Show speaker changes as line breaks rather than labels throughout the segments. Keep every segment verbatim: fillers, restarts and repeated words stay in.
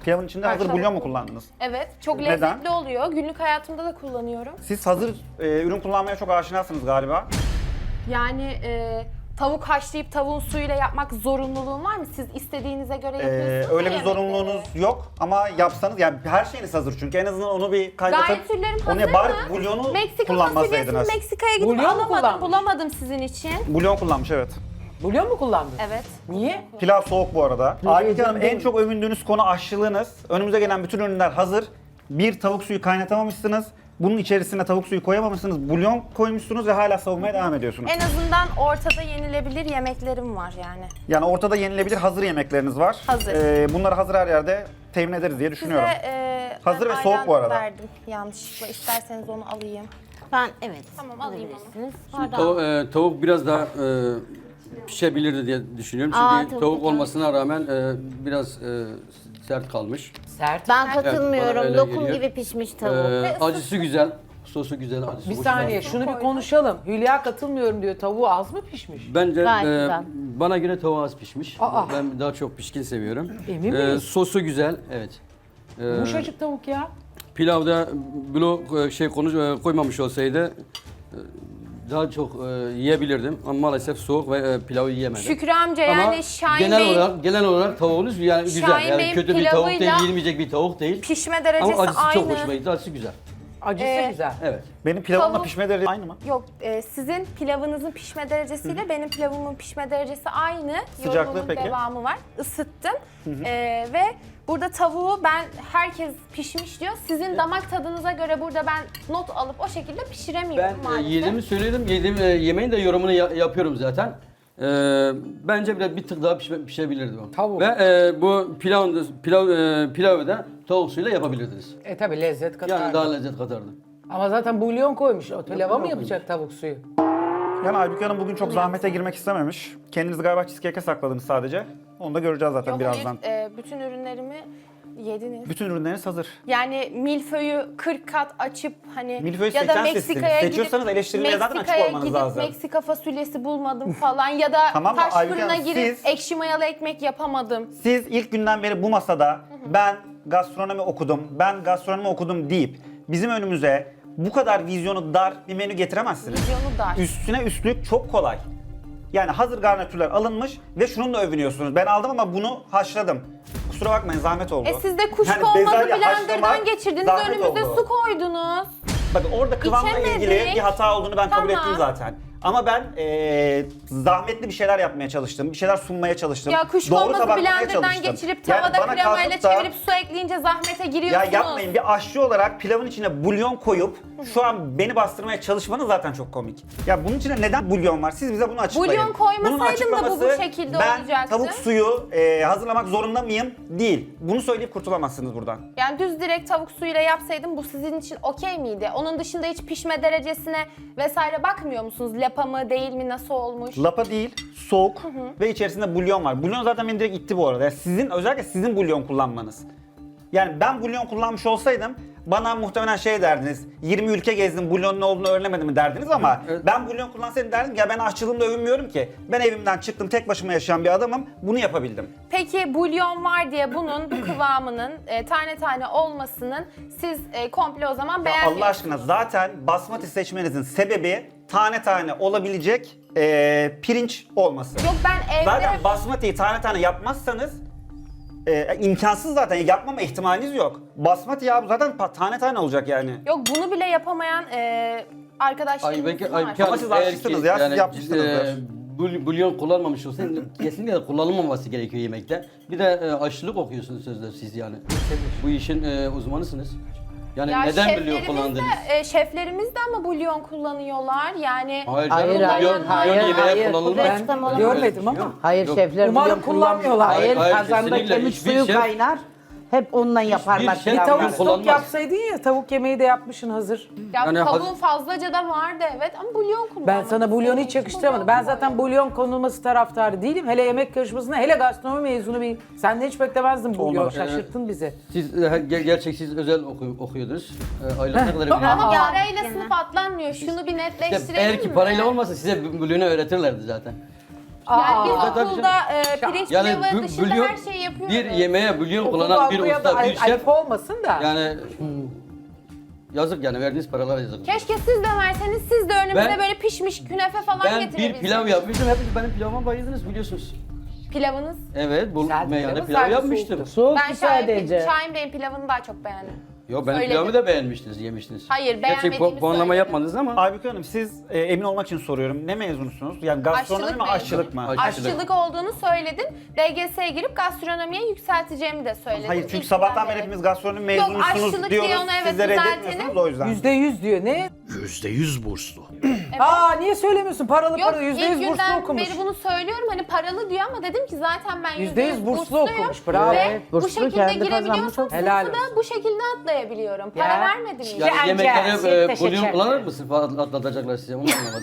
Pilavın içinde hazır
Haşlama
bulyon mu
bulyon.
kullandınız?
Evet, çok
Neden?
lezzetli oluyor. Günlük hayatımda da kullanıyorum.
Siz hazır e, ürün kullanmaya çok aşinasınız galiba.
Yani e, tavuk haşlayıp tavuğun suyuyla yapmak zorunluluğun var mı? Siz istediğinize göre
Ee,
yapıyorsunuz.
öyle
ya
bir zorunluluğunuz
yemekleri.
yok ama yapsanız yani her şeyiniz hazır çünkü en azından onu bir kaynatıp
Garnitürlerim
onu
hazır
bari
mı?
bulyonu
Meksika fasulyesini
kullanmasaydınız.
Meksika'ya gidip
Bulyon mu
alamadım,
kullanmış?
bulamadım sizin için.
Bulyon kullanmış evet.
Bulyon mu kullandın?
Evet.
Niye?
Pilav soğuk bu arada. Aybüke Hanım en
değil.
çok övündüğünüz konu aşçılığınız. Önümüze gelen bütün ürünler hazır. Bir tavuk suyu kaynatamamışsınız. Bunun içerisine tavuk suyu koyamamışsınız. Bulyon koymuşsunuz ve hala savunmaya devam ediyorsunuz.
En azından ortada yenilebilir yemeklerim var yani.
Yani ortada yenilebilir hazır yemekleriniz var.
Hazır.
Ee, bunları hazır her yerde temin ederiz diye düşünüyorum.
Size e,
Hazır
ben
ve soğuk bu
ayran
arada.
verdim yanlışlıkla. İsterseniz onu alayım.
Ben evet.
Tamam, alayım
alabilirsiniz.
Tav- e, tavuk biraz daha e, pişebilirdi diye düşünüyorum. Çünkü
Aa,
tavuk,
tavuk da
olmasına rağmen e, biraz e, sert kalmış.
Sert.
Ben
bana
katılmıyorum.
öyle
Lokum
geliyor.
gibi pişmiş
E,
tavuk.
acısı güzel, sosu güzel, acısı
Bir
hoşuma
saniye
gitti.
şunu bir konuşalım. Hülya katılmıyorum diyor. Tavuğu az mı pişmiş?
Bence
Gayet
e,
güzel.
bana göre tavuğu az pişmiş.
Aa.
Ben daha çok pişkin seviyorum.
Emin
E,
miyiz?
sosu güzel, evet. E,
Yumuşacık tavuk ya.
Pilavda blok e, şey konu e, koymamış olsaydı e, daha çok e, yiyebilirdim ama maalesef soğuk ve e, pilavı yiyemedim.
Şükrü amca
Ama
yani Şahin
genel
Bey'in
olarak genel olarak tavuğunuz yani güzel.
Şahin
Yani
Bey'in
kötü bir tavuk değil,
pilavıyla
yenilmeyecek bir tavuk değil.
pişme derecesi
Ama acısı
aynı.
çok hoşuma gitti. Acısı güzel.
Acısı
Ee,
güzel.
Evet.
Benim pilavımla
Tavuk-
pişme derecesi aynı mı?
Yok, e, sizin pilavınızın pişme derecesiyle benim pilavımın pişme derecesi aynı.
Sıcaklığı
Yorumumun
peki?
devamı var. Isıttım. E, ve burada tavuğu ben herkes pişmiş diyor. Sizin damak tadınıza göre burada ben not alıp o şekilde
Ben
pişiremiyorum
e,
maalesef.
yediğimi söyledim. Yediğim e, yemeğin de yorumunu ya- yapıyorum zaten. E, bence biraz bir tık daha pişme, pişebilirdi o.
Tavuk.
Ve e, bu pilav pilav e, pilavı da tavuk suyuyla yapabilirdiniz.
E tabi lezzet katar.
Yani daha lezzet katardı.
Ama zaten bulyon koymuş. O pilava mı
bulyon
yapacak tavuk suyu?
Yani Aybüke Hanım bugün çok zahmete girmek istememiş. Kendinizi galiba cheesecake'e sakladınız sadece. Onu da göreceğiz zaten
Yok,
birazdan.
hayır, e, bütün ürünlerimi yediniz.
Bütün ürünleriniz hazır.
Yani milföyü kırk kat açıp hani
Milföyü
ya da
seçen
Meksika'ya
sizsiniz.
gidip
Seçiyorsanız eleştirilmeye zaten açık
Meksika'ya
olmanız
gidip
lazım.
Meksika fasulyesi bulmadım falan ya da
Tamam da
taş
Aybüke
fırına
Hanım,
girip
siz-
ekşi mayalı ekmek yapamadım.
Siz ilk günden beri bu masada ben gastronomi okudum, ben gastronomi okudum deyip bizim önümüze bu kadar vizyonu dar bir menü getiremezsiniz.
Vizyonu dar.
Üstüne üstlük çok kolay. Yani hazır garnitürler alınmış ve şununla övünüyorsunuz. Ben aldım ama bunu haşladım. Kusura bakmayın zahmet oldu.
E siz de kuşku
Yani
olmadı
bezelye
blenderdan
haşlamak
geçirdiniz
zahmet
önümüze
oldu.
su koydunuz.
Bakın orada kıvamla
İçemedik.
ilgili bir hata olduğunu ben kabul
Tamam.
ettim zaten. Ama ben eee, zahmetli bir şeyler yapmaya çalıştım. Bir şeyler sunmaya çalıştım.
Ya kuşku
Doğru
olmadı
tabaklamaya
blenderdan
çalıştım.
geçirip
Yani
tavada
bana
kremayla
kalkıp da-
çevirip su ekleyince zahmete
Ya
giriyorsunuz.
yapmayın, bir aşçı olarak pilavın içine bulyon koyup şu an beni bastırmaya çalışmanız zaten çok komik. Ya bunun içine neden bulyon var? Siz bize bunu açıklayın.
Bulyon koymasaydım
Bunun
da bu bu
açıklaması,
şekilde
ben
olacaktı.
tavuk suyu e, hazırlamak zorunda mıyım? Değil. Bunu söyleyip kurtulamazsınız buradan.
Yani düz direkt tavuk suyuyla yapsaydım bu sizin için okey miydi? Onun dışında hiç pişme derecesine vesaire bakmıyor musunuz? Lapa mı değil mi nasıl olmuş?
Lapa değil, soğuk ve içerisinde bulyon var. Bulyon zaten beni direkt itti bu arada. Yani sizin, özellikle sizin bulyon kullanmanız. Yani ben bulyon kullanmış olsaydım bana muhtemelen şey derdiniz, yirmi ülke gezdim, bulyonun ne olduğunu öğrenemedim mi derdiniz ama
Evet.
ben bulyon kullansaydım derdim ki ya ben aşçılığımla övünmüyorum ki. Ben evimden çıktım, tek başıma yaşayan bir adamım, bunu yapabildim.
Peki bulyon var diye bunun bu kıvamının e, tane tane olmasının siz e, komple o zaman
Ya
beğenmiyorsunuz.
Allah aşkına zaten basmati seçmenizin sebebi tane tane olabilecek eee, pirinç olması.
Yok ben evde
Zaten basmatiyi tane tane yapmazsanız e, imkansız zaten, yapmama ihtimaliniz yok. Basmati ya bu zaten pa- tane tane olacak yani.
yok bunu bile yapamayan e, arkadaşlarımız
Aybüke,
var.
Aybüke
Ama
Hanım,
siz
eğer
aşçısınız
ki
ya, siz
yani,
yapmışsınızdır.
e, bul- bulyon kullanmamış olsaydın kesinlikle kullanılmaması gerekiyor yemekte. Bir de e, aşçılık okuyorsunuz sözler siz yani. Bu işin e, uzmanısınız. Yani
Ya
neden bulyon
şeflerimiz
kullandınız?
de, e, şeflerimiz de ama bulyon kullanıyorlar yani.
Hayır,
Hayır,
canım,
hayır,
bulyon,
hayır,
bulyon yemeğe
hayır.
kullanılmaz.
Ben
Ben görmedim ama.
Hayır
Yok.
şefler
Umarım
bulyon kullanmıyor.
kullanmıyorlar.
Hayır,
Hayır,
kazanda
kesinlikle.
kemik
Hiçbir
suyu
şef-
kaynar. Hep onunla yaparlar
şef
Bir
pilavları.
tavuk
Yani
stok
kullanmaz.
yapsaydın ya, tavuk yemeği de yapmışsın hazır.
Ya
Yani
tavuğun
haz-
fazlaca da vardı evet ama bulyon kullanmak.
Ben sana bulyonu hiç
istedim.
yakıştıramadım. Ben zaten bulyon konulması taraftarı değilim. Hele yemek yarışmasında, hele gastronomi mezunu bir... Senden hiç beklemezdim bulyon.
Olmadı.
Şaşırttın bizi.
Siz e, ger- gerçek siz özel oku- okuyordunuz. E, aylık ne kadar
Ama
veriyorsunuz?
parayla
gene.
sınıf atlanmıyor. Şunu bir
İşte
netleştirelim
eğer ki
mi?
parayla olmasa size bulyonu öğretirlerdi zaten.
Yani biz
Tabii canım.
okulda e, pirinç
Yani
pilavı
bü-
dışında
bülyon,
her şeyi yapıyoruz.
bir yemeğe bülyon
Okulda
kullanan bir
okuyan da
usta, bir
ay-
şef.
ayıp olmasın da.
Yani yazık yani verdiğiniz paralara yazık.
Keşke siz de verseniz, siz de önümüze
Ben-
böyle pişmiş künefe falan
Ben bir
getirebilseniz.
pilav yapmıştım. Hepiniz benim pilavıma bayıldınız biliyorsunuz.
Pilavınız.
Evet, bu
Güzel
meyhane
pilavı,
pilav
sadece
yapmıştım.
soğuktu.
Soğuk
Ben Şahin,
sadece.
Şahin Bey'in pilavını daha çok beğendim.
Yo benim
Söyledim.
pilavımı da beğenmiştiniz, yemiştiniz.
Hayır,
Gerçi
beğenmediğimi
pu- puanlama
söyledim.
yapmadınız ama.
Aybüke Hanım siz e, emin olmak için soruyorum. Ne mezunusunuz? Yani gastronomi mi
mezunu.
aşçılık mı?
Aşçılık.
Aşçılık olduğunu söyledin. D G S'ye girip gastronomiye yükselteceğimi de söyledim.
Hayır çünkü
İlk
sabahtan
günden
beri hepimiz gastronomi
Yok,
mezunusunuz
aşçılık
diyoruz.
diye onu evet
Siz de
düzeltelim.
reddetmiyorsunuz o yüzden.
Yüzde yüz diyor. Ne?
Yüzde yüz burslu.
Aa niye söylemiyorsun? Paralı
Yok,
paralı yüzde
ilk
yüz burslu
günden
okumuş.
beri bunu söylüyorum. Hani paralı diyor ama dedim ki zaten ben
Yüzde yüz burslu
bursluyum.
okumuş, bravo.
Ve
Evet,
bu
burslu,
şekilde
kendi
girebiliyorsam
kazanmış.
Helal
sınıfı da
olsun.
bu şekilde atlayabiliyorum. Para
Ya.
vermedim hiç.
Yani
Anca,
yemeklere
sirke
e, bulyon
şeker.
kullanır mısın falan atlatacaklar size onu anlamadım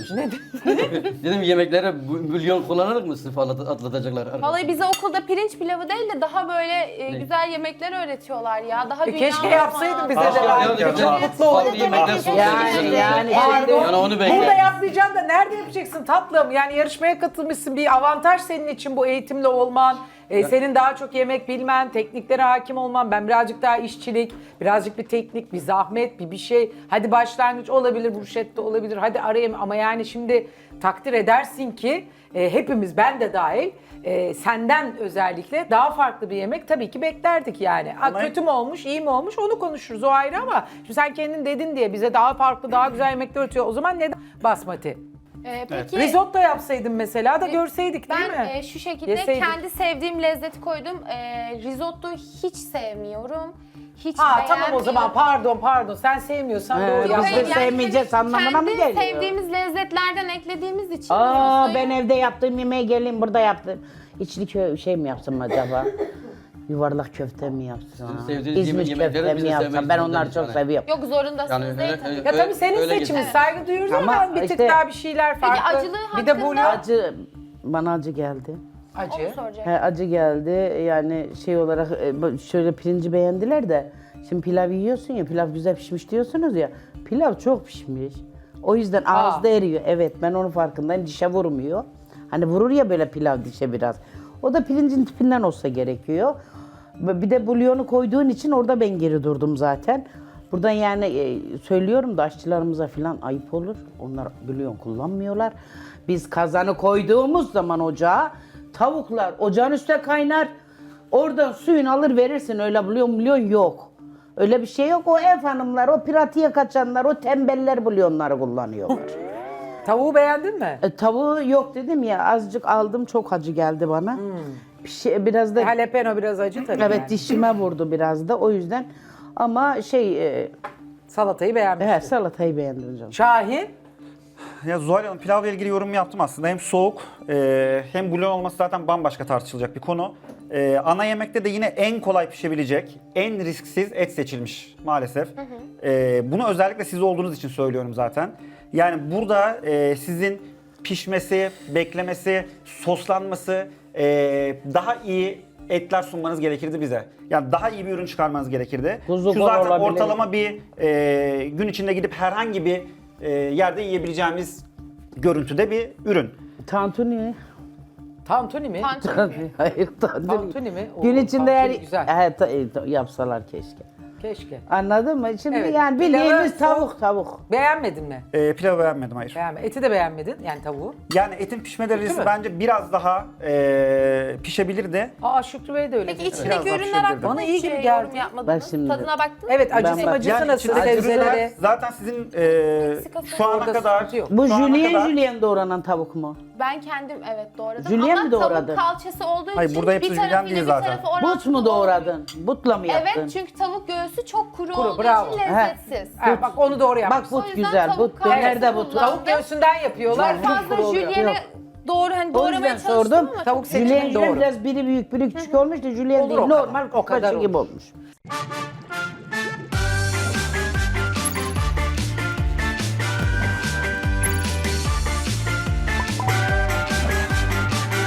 işte. Dedim yemeklere bu- bulyon kullanır mısın falan atlatacaklar.
Vallahi bize okulda pirinç pilavı değil de daha böyle e, güzel yemekler öğretiyorlar ya. Daha
E,
dünya
keşke
mutfağı.
yapsaydın bize
Keşke
de.
yapsaydın.
Çok
Ya,
mutlu oldum.
Farklı yemekler sunsaydın.
Yani, yani.
Pardon.
Yani onu
Burada
beklerdim.
yapmayacaksın da nerede yapacaksın tatlım? Yani yarışmaya katılmışsın, bir avantaj senin için bu eğitimli olman. e, senin daha çok yemek bilmen, tekniklere hakim olman. Ben birazcık daha işçilik, birazcık bir teknik, bir zahmet, bir bir şey. Hadi başlangıç olabilir, burşette olabilir. Hadi arayayım ama yani şimdi takdir edersin ki e, hepimiz, ben de dahil, e, senden özellikle daha farklı bir yemek tabii ki beklerdik yani. Ha,
Ama-
kötü mü olmuş, iyi mi olmuş onu konuşuruz, o ayrı ama şimdi sen kendin dedin diye bize daha farklı, daha güzel yemekler öğretiyor. O zaman neden basmati?
E, peki
Risotto yapsaydın mesela da görseydik değil
ben
mi?
e, şu şekilde
Yeseydik.
kendi sevdiğim lezzeti koydum. E, risotto hiç sevmiyorum. Hiç
Ha tamam o
beğenmiyorum.
zaman pardon pardon sen sevmiyorsan
He,
doğru
biz
yaptın.
de
Hayır,
sevmeyeceğiz
hani
anlamına mı
kendi
geliyor?
sevdiğimiz lezzetlerden eklediğimiz için.
Aa
risottoyu-
ben evde yaptığım yemeği geleyim burada yaptım. İçli kö- şey mi yapsam acaba? Yuvarlak köfte mi yapsam?
sevdiğiniz
İzmir
yemekleri
köfte
biz
mi
de
yapsam?
sevmek
Ben
zorundayız
onları çok
yani.
seviyorum.
Yok zorundasınız
Yani
değil
öyle-
tabii.
Ya tabii senin
Öyle
seçimin,
geçin.
saygı duyuyoruz ama,
Ama
bir tık
işte-
daha bir şeyler
Peki
farklı.
acılığı
bir de
hakkında-
bunu
Acı, bana acı geldi.
Onu
acı.
soracak.
He, acı geldi yani şey olarak e, bu- şöyle pirinci beğendiler de şimdi pilav yiyorsun ya pilav güzel pişmiş diyorsunuz ya pilav çok pişmiş. O yüzden ağızda eriyor. Evet ben onun farkındayım dişe vurmuyor. Hani vurur ya böyle pilav dişe biraz. O da pirincin tipinden olsa gerekiyor. Bir de bulyonu koyduğun için orada ben geri durdum zaten. Buradan yani e, söylüyorum da aşçılarımıza falan ayıp olur. Onlar bulyon kullanmıyorlar. Biz kazanı koyduğumuz zaman ocağa tavuklar ocağın üstüne kaynar. Oradan suyunu alır verirsin. Öyle bulyon bulyon yok. Öyle bir şey yok. O ev hanımlar, o pratiğe kaçanlar, o tembeller bulyonları kullanıyorlar.
Tavuğu beğendin mi?
E, tavuğu yok dedim ya azıcık aldım çok acı geldi bana. Bir şey, biraz da
Jalapeno biraz acı tabii
evet
yani.
dişime vurdu biraz da o yüzden. Ama şey e,
Salatayı beğenmiştin.
evet, salatayı beğendim canım.
Şahin?
Ya Zuhal Hanım pilavla ilgili yorum yaptım aslında. Hem soğuk e, hem bulyon olması zaten bambaşka tartışılacak bir konu. E, ana yemekte de yine en kolay pişebilecek, en risksiz et seçilmiş maalesef. E, bunu özellikle siz olduğunuz için söylüyorum zaten. Yani burada e, sizin pişmesi, beklemesi, soslanması, e, daha iyi etler sunmanız gerekirdi bize. Yani daha iyi bir ürün çıkarmanız gerekirdi.
Kuzu
Şu
bol
zaten
olabilir.
ortalama bir e, gün içinde gidip herhangi bir e, yerde yiyebileceğimiz görüntüde bir ürün.
Tantuni.
Tantuni mi?
Tantuni.
Hayır tantuni.
Tantuni mi? Oo,
Gün içinde
tantuni
eğer
güzel.
Evet, ta- e, ta- yapsalar keşke.
Keşke.
Anladın mı? Şimdi
Evet,
yani
pilavı
bildiğimiz
soğuk-
tavuk tavuk.
Beğenmedin mi?
E, pilavı beğenmedim hayır.
Beğenme. Eti de beğenmedin yani tavuğu.
Yani etin pişme derecesi
mi?
bence biraz daha e, pişebilirdi.
Aa Şükrü Bey de öyle
Peki
dedi.
Biraz
içindeki
daha
ürünler
pişirebilirdim.
hakkında
Bana iyi
hiç
gibi
e,
geldi.
yorum yapmadınız.
Bak şimdi.
Tadına baktın
Evet
mı?
acısı
bak-
macısı
Yani
nasıl?
içindeki
Sebzeleri.
ürünler zaten sizin e, şu ana
Orada
kadar
sıkıntı yok.
Bu
şu ana
jülyen
kadar-
jülyen doğranan tavuk mu?
Ben kendim evet doğradım
Jülyen
ama
mi doğradın?
tavuk kalçası olduğu
Hayır,
için
burada hepsi
bir
jülyen
tarafıyla
değil
bir
zaten.
tarafı orantılı
But mu
olmuyor.
doğradın? Butla mı yaptın?
Evet çünkü tavuk göğsü çok kuru
Kuru,
olduğu
bravo.
için
He.
lezzetsiz.
Ha, bak onu doğru
Bak
yapmışsın.
O
but
yüzden
güzel.
tavuk
But
kalçası
nerede but?
kullan.
Tavuk göğsünden yapıyorlar.
Çok
kuru
fazla
kuru oluyor.
jülyene
Yok.
doğru hani
O
doğramaya
yüzden
çalıştım
sordum.
ama
Tavuk
çok
seçimi
Jülyen jülyen
doğru.
biraz biri büyük biri küçük olmuş da jülyen
Olur
değil.
o kadar.
Normal
O kadar
kokoreç gibi
olur.
olmuş.